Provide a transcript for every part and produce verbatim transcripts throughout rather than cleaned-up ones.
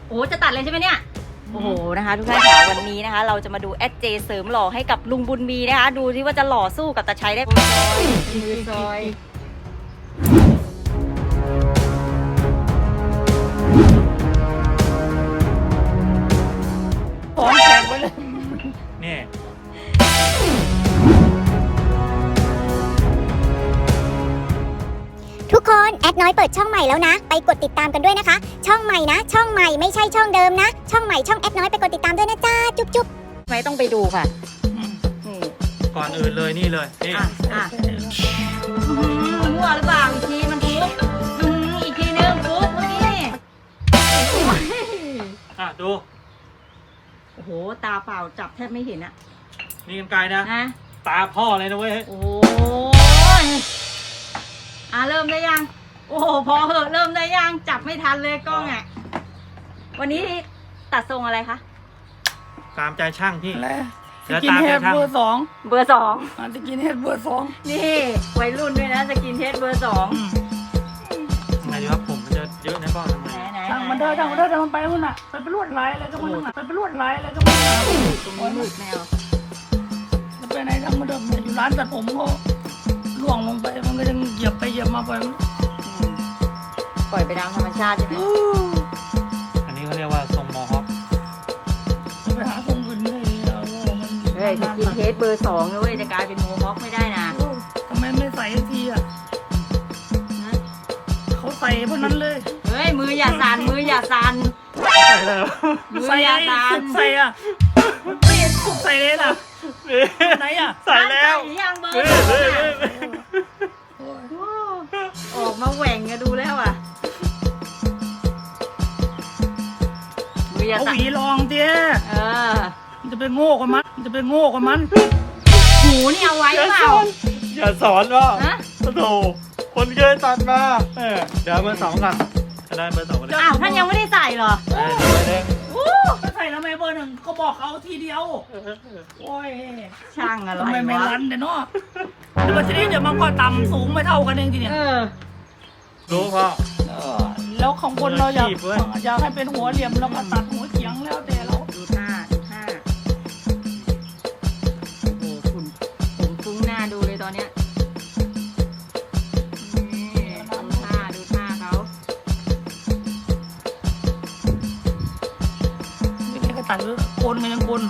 โอ้จะตัดเลยใช่ไหมเนี่ยโอ้โหนะคะทุกท่านค่ะวันนี้นะคะเราจะมาดูแอดเจเสริมหล่อให้กับลุงบุญมีนะคะดูที่ว่าจะหล่อสู้กับตาชัยได้มือซอยพร้อมแข่งไปเลยนี่ทุกคนแอดน้อยเปิดช่องใหม่แล้วนะไปกดติดตามกันด้วยนะคะช่องใหม่นะช่องใหม่ไม่ใช่ช่องเดิมนะช่องใหม่ช่องแอดน้อยไปกดติดตามด้วยนะจ้าจุ๊บจุ๊บไม่ต้องไปดูค่ะก่อนอื่นเลยนี่เลยนี่อ่ะอ่ะมั่วหรือเปล่าอีกทีมันฟุกอีกทีนึงฟุกเมื่อกี้อ่ะดูโอ้โหตาเปล่าจับแทบไม่เห็นอะนี่กันไกลนะนะตาพ่อเลยนะเว้ยโอ้ยอ่ะเริ่มได้ยังโอ้โหพอเหอะเริ่มได้ยังจับไม่ทันเลยกล้องอ่ะวันนี้ตัดทรงอะไรคะตามใจช่างพี่สกินเฮดเบอร์สองเบอร์สองสกินเฮดเบอร์สองนี่วัยรุ่นด้วยนะสกินเฮดเบอร์สองไงดีว่าผมมันจะเยอะนะพ่อทำไมช่างมันเดินช่างมันเดินมันไปมันอ่ะไปเป็นลวดลายอะไรก็มันอ่ะไปเป็นลวดลายอะไรก็มันอ่ะตรงนี้มืดแมวแล้วไปไหนช่างมันเดินอยู่ร้านตัดผมก็ล่วงลงไปมันก็ยังเหยียบไปเหยียบมาไปปล่อยไปตามธรรมชาติใช่ไหมอันนี้เขาเรียกว่าทรงมอฮอคจะไปหาทรงอื่นเลยเฮ้ยสกินเฮดเบอร์สองนะเว้ยจะกลายเป็นโมฮอคไม่ได้นะทำไมไม่ใส่ทีอ่ะเขาใส่เพราะนั้นเลยเฮ้ยมืออย่าสั่นมืออย่าสั่นใส่แล้วมืออย่าสั่นใส่อ่ะไม่เห็นสุกใส่เลยล่ะไหนอ่ะใส่แล้วยังเบอร์ออกมาแหว่งอะดูแล้วอ่ะมืออย่าสั่นเอาหวีลองเตี้ยเออจะไปโง่กับมันจะไปโง่กับมันหูนี่เอาไว้เปล่าอย่าสอนว่าโอ้โหคนเคยตัดมาเดี๋ยวเบอร์สองกันจะได้เบอร์สองกันอ้าวท่านยังไม่ได้ใส่เหรอใส่แล้วไม่เบอร์หนึ่งก็บอกเขาทีเดียวโอ้ยช่างอะไรทำไมไม่รันเดี๋ยวเนาะเดี๋ยวทีนี้เดี๋ยวมันก็ต่ำสูงไม่เท่ากันเองทีเนี้ยรู้พ่อแล้วของคนเราอยากอยากให้เป็นหัวเหลี่ยมแล้วก็ตัดหัวเฉียงแล้วแต่เราดูท่าดูท่าโอ้โหคุณผมฟุ้งหน้าดูเลยตอนเนี้ยดูท่าดูท่าเขาไม่ได้ก็ตัดโกนกันยังโกน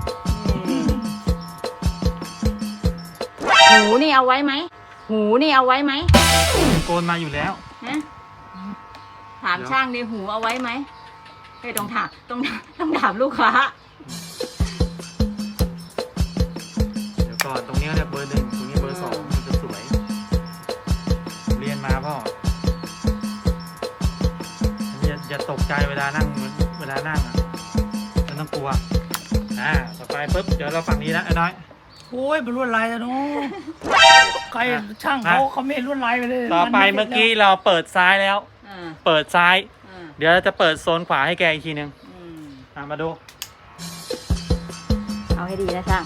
หูนี่เอาไว้ไหมหูนี่เอาไว้ไหมโกนมาอยู่แล้วนะถามช่างดิหูเอาไว้ไหมเฮ้ยต้องถามต้องต้องถามลูกค้าเดี๋ยวก่อนตรงนี้เรียกเบอร์หนึ่งตรงนี้เบอร์สองมันจะสวยเรียนมาพ่ออย่าอย่าตกใจเวลานั่งเวลานั่งอ่ะไม่ต้องกลัวอ่าต่อไปปุ๊บเดี๋ยวเราฝั่งนี้นะไอ้น้อยโอ้ยเป็นลวดลายแล้วเนาะใครช่างเขาเขาไม่ลวดลายไปเลยต่อไปเมื่อกี้เราเปิดซ้ายแล้วเปิดซ้ายเดี๋ยวเราจะเปิดโซนขวาให้แกอีกทีนึงมาดูเอาให้ดีนะช่าง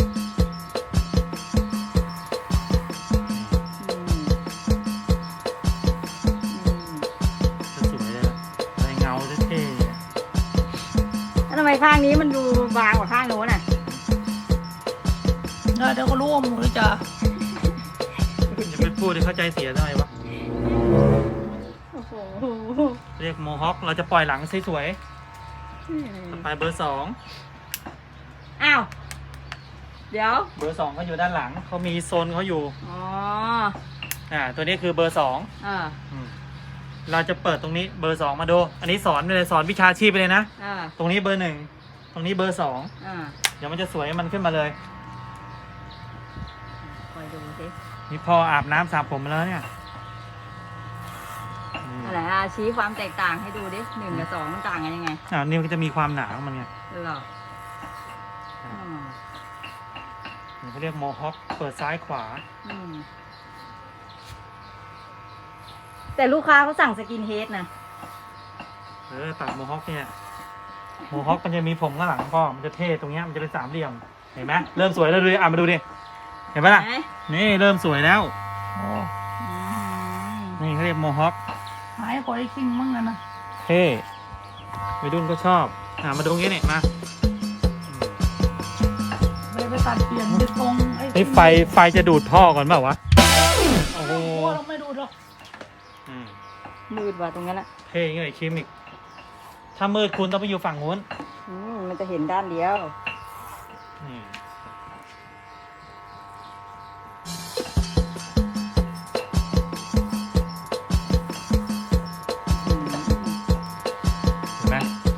จะสวยเลยลายเงาเท่ๆแล้วทำไมข้างนี้มันดูบางกว่าข้างโน้นอ่ะเดี๋ยวก็รู้ว่าหมูจะอย่าไปพูดให้เข้าใจเสียหน่อยวะเรียกโมฮอคเราจะปล่อยหลังสวยๆต่อไปเบอร์สองอ้าวเดี๋ยวเบอร์สองเขาอยู่ด้านหลังเขามีโซนเขาอยู่อ๋ออ่าตัวนี้คือเบอร์สองอ่าเราจะเปิดตรงนี้เบอร์สองมาดูอันนี้สอนไปเลยสอนวิชาชีพไปเลยนะอ่าตรงนี้เบอร์หนึ่งตรงนี้เบอร์สองอ่าเดี๋ยวมันจะสวยมันขึ้นมาเลยคอยดูสินี่พออาบน้ำสระผมมาแล้วเนี่ยอะไรอ่ะชี้ความแตกต่างให้ดูดิหนึ่งกับสองมันต่างกันยังไงอ่านี่มันจะมีความหนาของมันไงหรอนี่เขาเรียกโมฮอคเปิดซ้ายขวาแต่ลูกค้าเขาสั่งสกินเฮดนะเออตัดโมฮอคเนี่ยโมฮอคมันจะมีผมข้างหลังพ่อมันจะเท่ตรงเนี้ยมันจะเป็นสามเหลี่ยมเห็นไหมเริ่มสวยแล้วดูอ่ะมาดูดิเห็นไหมล่ะนี่เริ่มสวยแล้วนี่เขาเรียกโมฮอคหายคอยคิงมั่งกันนะเท่วัยรุ่นก็ชอบอ่ามาดูตรงนี้เนี่ยมาไปไปตัดเปลี่ยนไปตรงไอ้นี่ไฟไฟจะดูดท่อก่อนเปล่าวะโอ้โหเราไม่ดูหรอกอืมมืดว่ะตรงนั้นอะเท่ยังไงคิมอีกถ้ามืดคุณต้องไปอยู่ฝั่งนู้นอืมมันจะเห็นด้านเดียวนี่อืมเห็นไหม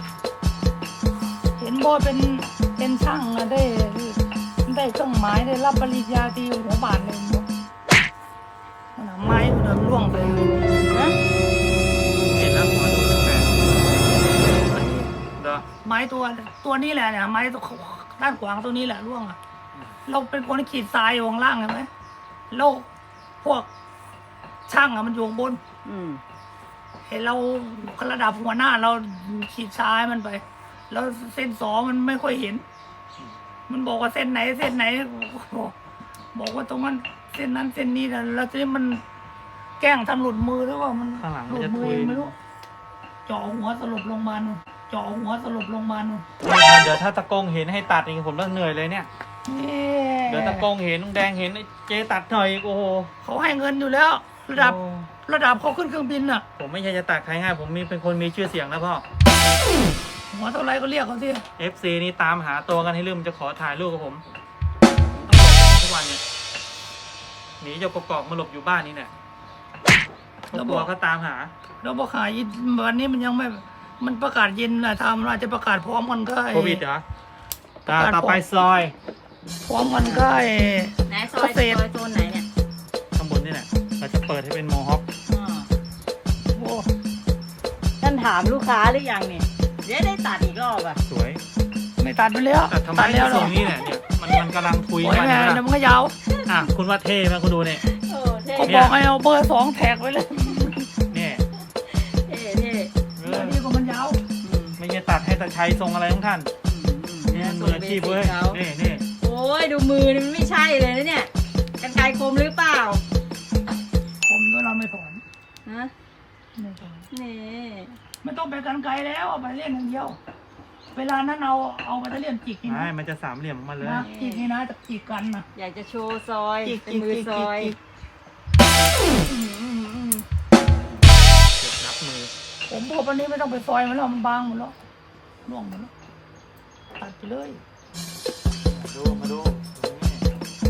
เห็นบ่เป็นเป็นช่างอะได้ได้เครื่องไม้ได้รับปริญญาตรีหัวบาทเลยบ่มันเอาไม้มันเดินล่วงไปเลยนะเห็นแล้วขอดูตั้งแต่เด้อไม้ตัวตัวนี้แหละเนี่ยไม้ตัวด้านขวางตัวนี้แหละล่วงอะเราเป็นคนขีดทรายอยู่ข้างล่างใช่ไหมแล้วพวกช่างอะมันอยู่ข้างบนอืมเห็นเราระดับหัวหน้าเราขีดซ้ายมันไป แล้วเส้นสองมันไม่ค่อยเห็น มันบอกว่าเส้นไหนเส้นไหนบอกบอกว่าตรงนั้นเส้นนั้นเส้นนี้แต่แล้วทีนี้มันแกล้งทำหลุดมือหรือว่ามันข้างหลังหมันลุดจะมือทุยเองไม่รู้เจาะหัวสลบลงมานู่นเจาะหัวสลบลงมานู่นเดี๋ยวถ้าตะกงเห็นให้ตัดอีกผมต้องเหนื่อยเลยเนี่ยนี่เดี๋ยวตะกงเห็นลุงแดงเห็นไอ้เจตัดหน่อยอีกโอ้โหเขาให้เงินอยู่แล้ว ระดับโอ้ระดับเขาขึ้นเครื่องบินน่ะผมไม่ใช่จะตัดใครง่ายผมมีเป็นคนมีชื่อเสียงนะพ่อหัวเท่าไรก็เรียกเขาสิเอฟ ซี นี่ตามหาตัวกันให้ลืมจะขอถ่ายรูปกับผมต้องบอกทุกวันเนี่ยหนีจากกอกๆมาหลบอยู่บ้านนี่เนี่ยเขากลัวเขาตามหาเราประกาศยินวันนี้มันยังไม่มันประกาศเย็นนะทำเราจะประกาศพร้อมกันก็ไอ้โควิดเหรอตาประกาศต่อไปซอยพร้อมกันก็ไอ้ไหนซอยเกษซตรอยโซนไหนเนี่ยข้างบนนี่แหละเราจะเปิดให้เป็นโมฮอคอ๋อโอ้ท่านถามลูกค้าหรือยังเนี่ยเดี๋ยวได้ตัดอีกรอบอ่ะสวยไม่ตัดไปแล้วแต่ทำไมตัดแล้วเหรทรองนี้เนี่ยเนี่ยมันมันกำลังคุยโอ้ยกันแม่นะเดี๋ยวมันก็ยาวอ่ะคุณว่าเท่ไหมคุณดูเนี่ยโอ้เท่ก็เนี่บยอกให้เอาเบอร์สองแท็กไว้เลยเนี่ยเท่เท่เอเบออร์นี้ก็มันยาวอืมไม่ใช่ตัดให้ตาชัยทรงอะไรของท่านอืมอืมเนี่ยมืออาชีพเว้ยเขานี่นี่โอ้ยดูมือนี่มันไม่ใช่เลยนะเนี่ยกันไกรคมหรือเปล่าผมก็เราไม่ถอนฮะไม่ถอนนี่ไม่ต้องไปกันไกลแล้วเอาไปเล่นอย่างเดียว เวลานั้นเอาเอาไปเล่นจิกนี่ไม่นะมันจะสามเหลี่ยมออกมาเลยนะจิกนี่นะจะจิกกันนะอยากจะโชว์ซอยจิกเป็นจิกมือจิกซจิกอยจิกอืมอืมอืมเก็บนับมือผมพวกวันนี้ไม่ต้องไปซอยมันแล้วมันบางหมดแล้วล่วงหมดแล้วตัดไปเลยมาดูมาดูตรงนี้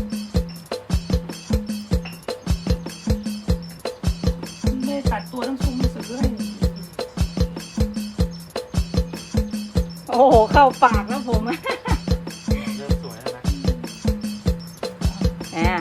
ไม่ตัดตัวทั้งซุ้มซื้อให้โอ้โหเข้าปากแล้วผมอะเริ่มสวยแล้วนะแหม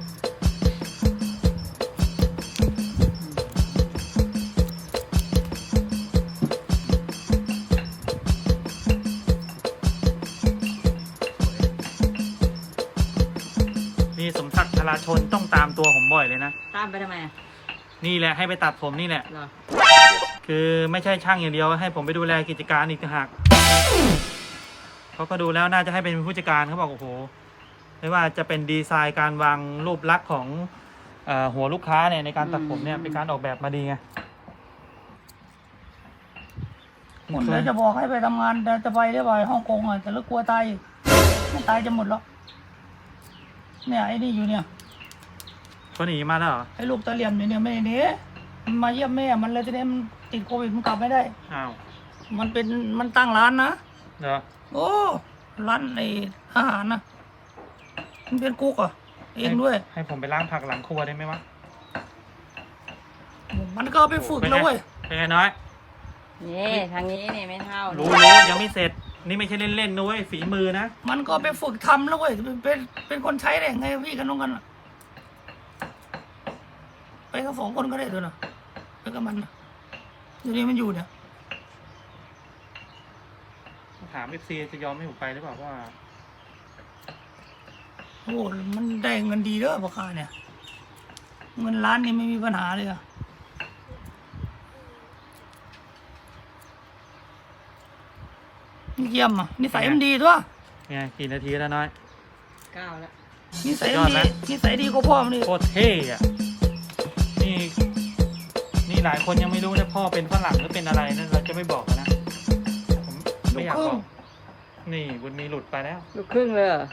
นี่สมศักดิ์ธราชนต้องตามตัวผมบ่อยเลยนะตามไปทำไมอะนี่แหละให้ไปตัดผมนี่แหละเหรอคือไม่ใช่ช่างอย่างเดียวให้ผมไปดูแลกิจการอีกต่างหากเขาก็ดูแล้วน่าจะให้เป็นผู้จัดการเขาบอกโอ้โหไม่ว่าจะเป็นดีไซน์การวางรูปลักษณ์ของเอ่อหัวลูกค้าเนี่ยในการตัดผมเนี่ยเป็นการออกแบบมาดีไงหมดแล้วจะบอกให้ไปทำงานแต่จะไปได้ไปฮ่องกงอ่ะแต่แล้วกลัวตายอีกไม่ตายจะหมดแล้วเนี่ยไอ้นี่อยู่เนี่ยเขาหนีมาแล้วเหรอไอ้ลูกตะเหลี่ยมอยู่เนี่ยไม่ได้หนีมันมาเยี่ยมแม่มันเลยทีนี้มันติดโควิดมันกลับไม่ได้อ้าวมันเป็นมันตั้งร้านนะเหรอโอ้ร้านไอ้อาหารนะมันเป็นกุ๊กอ่ะเองด้วยให้ผมไปล้างผักหลังครัวได้ไหมวะมันก็เอาไปฝึกแล้วเว้ยเป็นไงน้อยนี่ทางนี้นี่ไม่เท่ารู้นี่รู้ยังไม่เสร็จ นี่ไม่ใช่เล่นๆนะเว้ยฝีมือนะมันก็ไปฝึกทำแล้วเว้ยเป็นเป็นเป็นคนใช้ได้ไงพี่กันน้องกันอะไปกันสองคนก็ได้ด้วยนะไปกับมันนะอยู่นี่มันอยู่เนี่ยถามเอฟซีจะยอมให้ผมไปหรือเปล่าว่าโอ้มันได้เงินดีเด้อพ่อค้าเนี่ย เงินล้านนี่ไม่มีปัญหาเลยอะเยี่ยมอ่ะนิสัยมันดีตัวไงกี่นาทีแล้วน้อยเก้าแล้วนิสัยยมัอน ดดีไหมนิสัยดีกว่าพ่อมันดิโคตรเท่อะนี่ นี่หลายคนยังไม่รู้นะพ่อเป็นฝรั่งหรือเป็นอะไรนะเราจะไม่บอกนะนี่บุญมีหลุดไปแล้วลูกครึ่งเลยเหรอ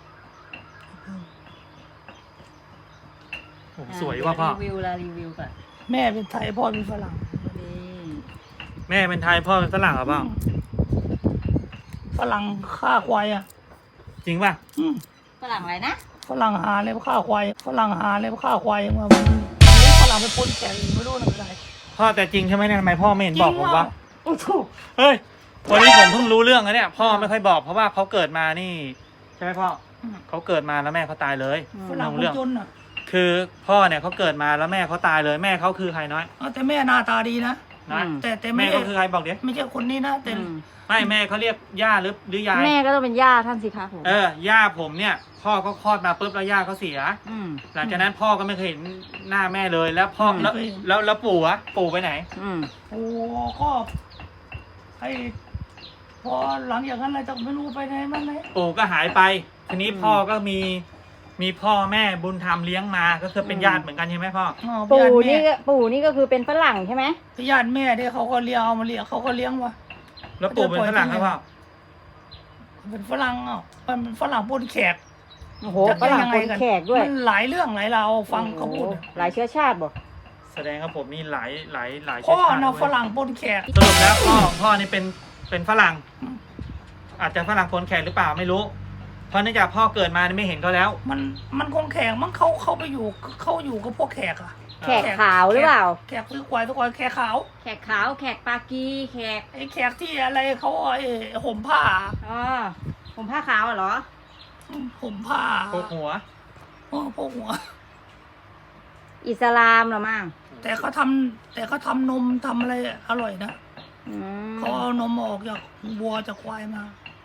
โอ้โหสวยว่ะพ่อรีวิวละรีวิวก่อนแม่เป็นไทยพ่อเป็นฝรั่งนี่แม่เป็นไทยพ่อเป็นฝรั่งเหรอพ่อฝรั่งฆ่าควายอ่ะจริงป่ะอืมฝรั่งอะไรนะฝรั่งหาเลยฆ่าควายฝรั่งหาเลยฆ่าควายมาฝรั่งไปปนแขกไม่รู้นะอะไรพ่อแต่จริงใช่ไหมเนี่ยทำไมพ่อไม่เห็นบอกผมวะโอ้โหเฮ้ยวันนี้ผมเพิ่งรู้เรื่องนะเนี่ยพ่อไม่ค่อยบอกเพราะว่าเขาเกิดมานี่ใช่ไหมพ่อเขาเกิดมาแล้วแม่เขาตายเลยฝรั่งคนเรื่องจนอ่ะคือพ่อเนี่ยเขาเกิดมาแล้วแม่เขาตายเลยแม่เขาคือใครน้อยเอาแต่แม่หน้าตาดีนะน้อยแต่แต่แม่แม่เขาคือใครบอกเดี๋ยวไม่ใช่คนนี้นะแต่อืมไม่แม่เขาเรียกย่าหรือหรือยายแม่ก็ต้องเป็นย่าท่านสิคะผมเออย่าผมเนี่ย พ่อเขาคลอดมาปุ๊บแล้วย่าเขาเสียอืมหลังจากนั้นพ่อก็ไม่เคยเห็นหน้าแม่เลยแล้วพ่อแล้วแล้วแล้วปู่อะปู่ไปไหนอืมโอ้ก็ไอ้พอหลังจากนั้นอะไรจะไม่รู้ไปไหนมันไหนปู่ก็หายไป ทีนี้พ่อก็มีมีพ่อแม่บุญธรรมเลี้ยงมาก็คือเป็นญาติเหมือนกันใช่ไหมพ่ออ๋อปู่ญาติแม่นี่ก็ปู่นี่ก็คือเป็นฝรั่งใช่ไหมญาติแม่ที่เขาก็เลี้ยงเอามาเลี้ยงเขาก็เลี้ยงวะแล้วปู่เป็นฝรั่งครับพ่อเป็นฝรั่งอ่ะมันเป็นฝรั่งปนแขกโอ้โหฝรั่งคนแขกด้วยมันหลายเรื่องหลายราวฟังเขาพูดโอ้โหหลายเชื้อชาติบ่แสดงว่าผมนี่หลายหลายหลายพ่อชาติเนาะเว้ยฝรั่งปนแขกสรุปแล้วพ่อพ่อนี่เป็นเป็นฝรั่ง อาจจะฝรั่งคนแขกหรือเปล่าไม่รู้ เพราะเนื่องจากพ่อเกิดมานี่ไม่เห็นเขาแล้วมันมันคนแขกมั้งเขาเขาไปอยู่เขาอยู่กับพวกแขกอ่ะแขกขาวหรือเปล่าแขกซื้อควายทุกคนแขกขาวแขกขาวแขกปากีแขกไอ้แขกที่อะไรเขาไอ้ห่มผ้าอ๋อผมผ้าขาวเหรอห่มผ้าโคกหัวโอ้พวกหัวอิสลามเหรอมั่งแต่เขาทำแต่เขาทำนมทำอะไรอร่อยนะอืมเขาเอานมออกจากวัวจากควายมา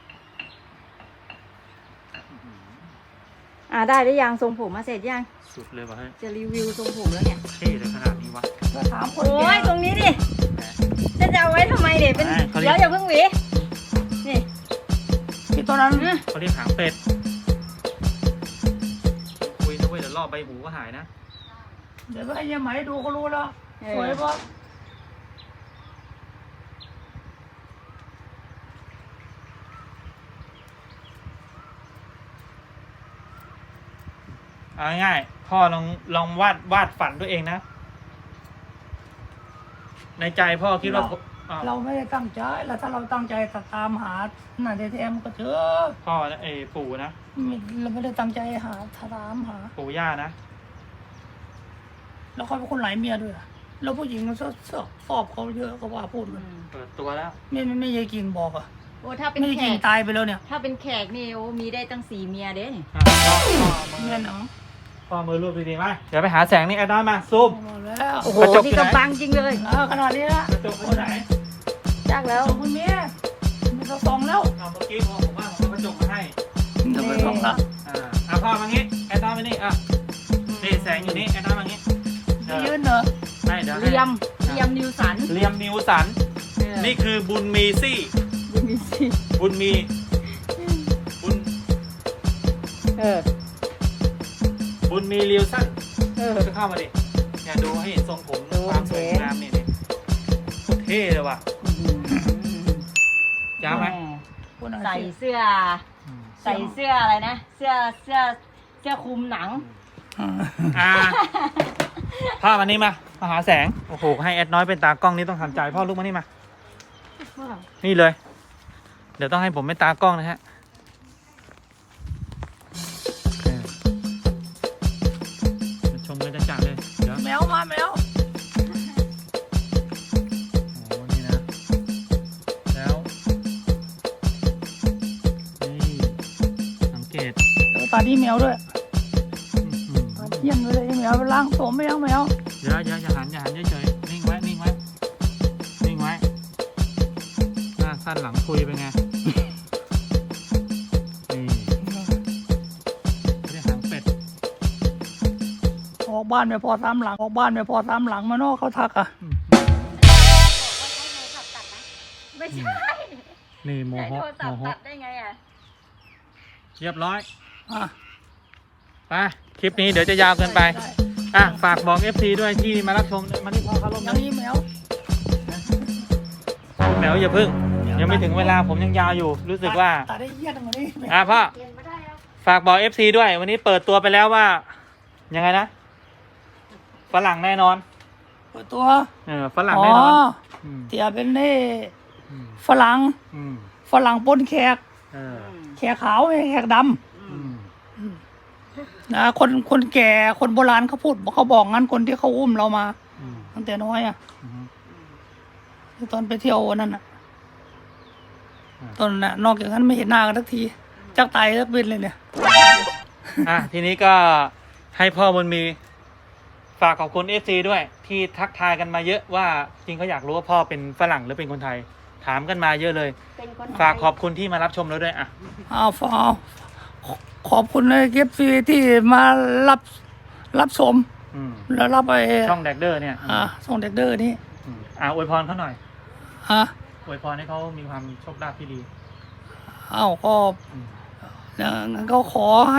อ่าได้หรือยังทรงผมมาเสร็จยังสุดเลยว่ะเฮ้ยจะรีวิวทรงผมแล้วเนี่ยเท่เลยขนาดนี้วะก็ถามคนโอ้แก่ยตรงนี้ดิจะจะเอาไว้ทำไมเด็เป็นไม่เขาเรียกเดี๋ยวอย่าเพิ่งหวีนี่ที่ตอนนั้นอ่ะเขาเรียกหางเป็ดคุยนะเว้ยเดี๋ยวรอบใบหูก็หายนะเดี๋ยวก็ให้ยายไหมดูก็รู้แล้วเอสวยอปะเอาง่ายๆพ่อลองลองวาดวาดฝันตัวเองนะ ในใจพ่อคิดว่าอ้าวเราไม่ได้ตั้งใจแล้วถ้าเราตั้งใจจะตามหาหน้าแท้ๆมันก็เจอพ่อนะเอยปู่นะไม่เราไม่ได้ตั้งใจหาตามหาปู่ย่านะแล้วเขาเป็นคนหลายเมียด้วยอะแล้วผู้หญิงมันชอบชอบชอบเขาเยอะก็ว่าพูดอืมันมเปิดตัวแล้วไม่ไม่ไม่ยายกิ่งบอกอ่ะโอ้ถ้าเป็นไม่ยายแขกิ่งกตายไปแล้วเนี่ยถ้าเป็นแขกนี่โอ้มีได้ตั้งสี่เมียเด้นี่อ่ะพ่อพ่อมืเงี้อยเนาะพ่อมือรูปดีๆไหมเดี๋ยวไปหาแสงนี่แอดนอนมาซูมหมดแล้วโอ้โหกระจกที่อยู่ไหนกำบังจริงเลยเออขนาดนี้ละกระจกอยู่ไหนจักแล้วขอบคุณเมียไม่ต้องส่องแล้วเอาเมื่อกี้พ่อผมว่าผมเอากระจกมาให้ไม่ต้องไปส่องละอ่าอ่ะพ่อมางี้แอดนอนมานี่อ่ะนี่แสงอยู่นี่แอดนอนมางี้เออยืนเหรอไม่เดี๋ยวให้เรียมเรียมนิวสันเรียมนิวสันเออนี่คือบุญมีซี่บุญมีสิบุญมีบุญเออบุญมีเรียวสั้นเออก็เข้ามาดิอย่าดูให้เห็นทรงผมโอเคความสวยงามนี่นี่โคตรเท่เลยว่ะยาวไหมคนอาใส่ชีพเสื้อ ใส่เสื้ออะไรนะ เสื้อเสื้อเสื้อคลุมหนังอ่าพ่อมานี่มามาหาแสงโอ้โหให้แอดน้อยเป็นตากล้องนี่ต้องทำใจพ่อลูกมานี่มา นี่เลย เดี๋ยวต้องให้ผมเป็นตากล้องนะฮะเออมาชมกันจัดๆเลยเดี๋ยวแมวมาแมวโอ้โหนี่นะ แล้ว นี่สังเกตเดี๋ยวตาที่แมวด้วยอื้อหือตาเยี่ยมเลยแมวไปล้างผมไม่ล้างแมวเดี๋ยวอย่าอย่าหันอย่าหันเฉยๆนิ่งไว้นิ่งไว้นิ่งไว้หน้าสั้นหลังคุยเป็นไง นี่เรียกหางเป็ดออกบ้านไม่พอสามหลังออกบ้านไม่พอสามหลังมาเนอกเขาทักอ่ะอื้อไม่ใช่นี่โมใช้โหโทรศัพโมท์โหตัดได้ไงอ่ะเรียบร้อยอ่ะไปคลิปนี้เดี๋ยวจะยาวเกินไปด้อ่ะ ฝากบอก เอฟ ซี ด้วยที่มารับชมมาที่พ่อเขาลงอนะย่างนี้แมวแมวอย่าพึ่งนี่ยังไม่ถึงเวลาผมยังยาวอยู่ รู้สึกว่าตัดได้เยี่ยนกว่านี้อ่ะพ่อฝากบอก เอฟ ซี ด้วย วันนี้เปิดตัวไปแล้วว่า ยังไงนะฝรั่งแน่นอนเปิดตัวเออฝรั่งแน่นอนอ๋อเตียเป็นนี่อืมฝรั่งอืมฝรั่งปนแขกเออแขกขาวไม่ใช่แขกดอืมำนะคนคนแก่คนโบราณเขาพูดเขาบอกงั้นคนที่เขาอุ้มเรามาอืมตั้งแต่น้อยอ่ะอืมตอนไปเที่ยววันนั้นอ่ะอืมตอนนั้นน่ะนอกจากนั้นไม่เห็นหน้ากันสักทีจักตายสักเป็นเลยเนี่ยอ่ะทีนี้ก็ให้พ่อบุญมี ฝากขอบคุณ เอฟ ซี ด้วย ที่ทักทายกันมาเยอะว่าจริงเขาอยากรู้ว่าพ่อเป็นฝรั่งหรือเป็นคนไทย ถามกันมาเยอะเลยเป็นคนฝากขอบคุณที่มารับชมเราด้วยอ่ะอ้าวฟาวขอบคุณเลยเก็บซีที่มารับรับชมอืมแล้วรับไปช่องแดกเดอร์เนี่ยอ่าส่งเด็กเดอร์นี่อืมอ่ะอวยพรเขาหน่อยฮะอวยพรให้เขามีความโชคลาภที่ดีอ้าวก็อืมงั้นก็ขอให้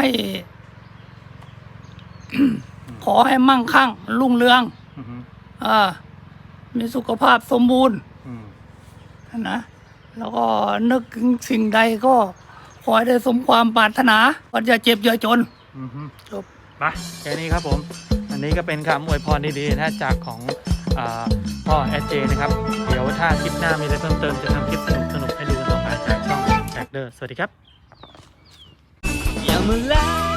ขอให้มั่งคั่งรุ่งเรืองอืมอ่ามีสุขภาพสมบูรณ์อืมนะแล้วก็นึกถึงสิ่งใดก็ขอให้ได้สมความปรารถนาว่าอย่าเจ็บอย่าจนอืมอืมจบไปแค่นี้ครับผม อันนี้ก็เป็นคำอวยพรดีๆนะจากของอาพ่อแอดเจนะครับ เดี๋ยวถ้าคลิปหน้ามีอะไรเพิ่มเติมจะทำคลิปสนุกๆให้ดูกันต่อไปจากช่องแดกเดอร์สวัสดีครับอย่ามาแล้ว